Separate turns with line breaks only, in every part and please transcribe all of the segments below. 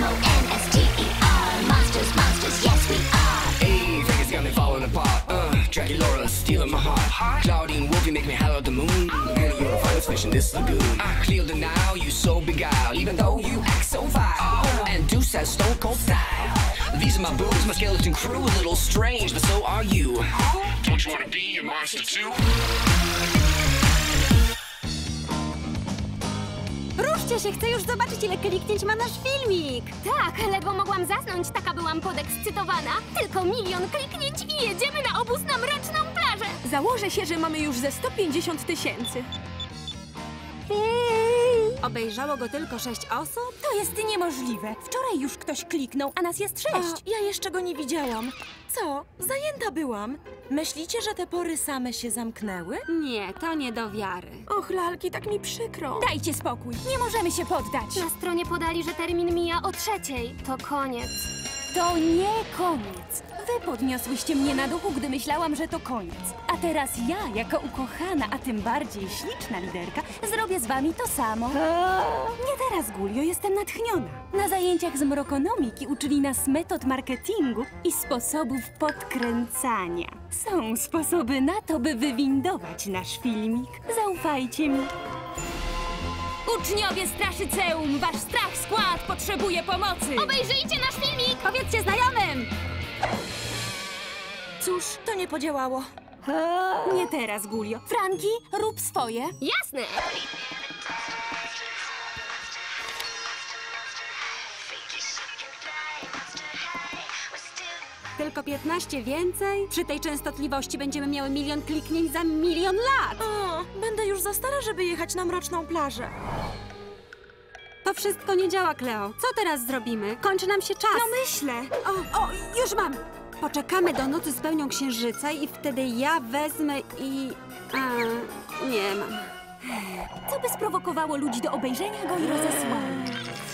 M-O-N-S-T-E-R. Monsters, monsters, yes we are.
Hey, Vegas got me falling apart. Dracula stealing my heart. Claudine Wolfie make me holler at the moon. And you're the finest fish in this lagoon. Clear denial, you so beguiled. Even though you act so vile. And Deuce has stone cold style. These are my boobs, my skeleton crew. A little strange, but so are you. Don't you wanna be a monster too?
Ruszcie się, chcę już zobaczyć, ile kliknięć ma nasz filmik.
Tak, ledwo mogłam zasnąć, taka byłam podekscytowana. Tylko 1 000 000 kliknięć i jedziemy na obóz na Mroczną Plażę.
Założę się, że mamy już ze 150 000. Obejrzało go tylko 6 osób? To jest niemożliwe. Wczoraj już ktoś kliknął, a nas jest 6.
Ja jeszcze go nie widziałam. Co? Zajęta byłam. Myślicie, że te pory same się zamknęły?
Nie, to nie do wiary.
Och, lalki, tak mi przykro.
Dajcie spokój, nie możemy się poddać.
Na stronie podali, że termin mija o 3:00. To koniec.
To nie koniec. Wy podniosłyście mnie na duchu, gdy myślałam, że to koniec. A teraz ja, jako ukochana, a tym bardziej śliczna liderka, zrobię z wami to samo. Nie teraz, Gulio, jestem natchniona. Na zajęciach z mrokonomiki uczyli nas metod marketingu i sposobów podkręcania. Są sposoby na to, by wywindować nasz filmik. Zaufajcie mi. Uczniowie Straszyceum, wasz strach skład potrzebuje pomocy.
Obejrzyjcie nasz filmik!
Powiedzcie znajomym!
Cóż, to nie podziałało.
Nie teraz, Gulio. Franki, rób swoje.
Jasne!
Tylko 15 więcej? Przy tej częstotliwości będziemy miały 1 000 000 kliknięć za 1 000 000 lat.
O, będę już za stara, żeby jechać na Mroczną Plażę.
To wszystko nie działa, Kleo. Co teraz zrobimy? Kończy nam się czas. No myślę. O, już mam. Poczekamy do nocy z pełnią księżyca i wtedy ja wezmę i... nie mam. Co by sprowokowało ludzi do obejrzenia go i rozesłania?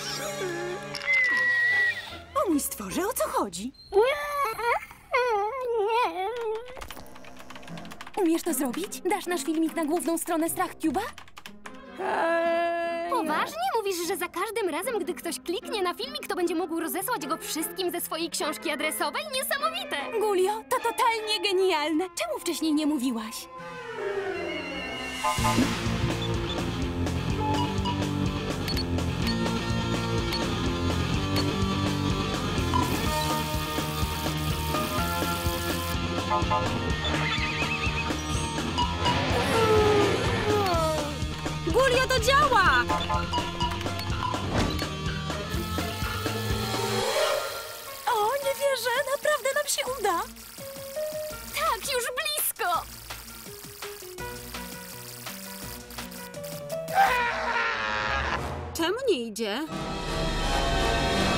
O mój stworze, o co chodzi? Umiesz to zrobić? Dasz nasz filmik na główną stronę StrachCube'a?
Poważnie mówisz, że za każdym razem, gdy ktoś kliknie na filmik, to będzie mógł rozesłać go wszystkim ze swojej książki adresowej? Niesamowite!
Gulio, to totalnie genialne. Czemu wcześniej nie mówiłaś? Gulio, to działa!
O, nie wierzę, naprawdę nam się uda.
Tak, już blisko!
Czemu nie idzie?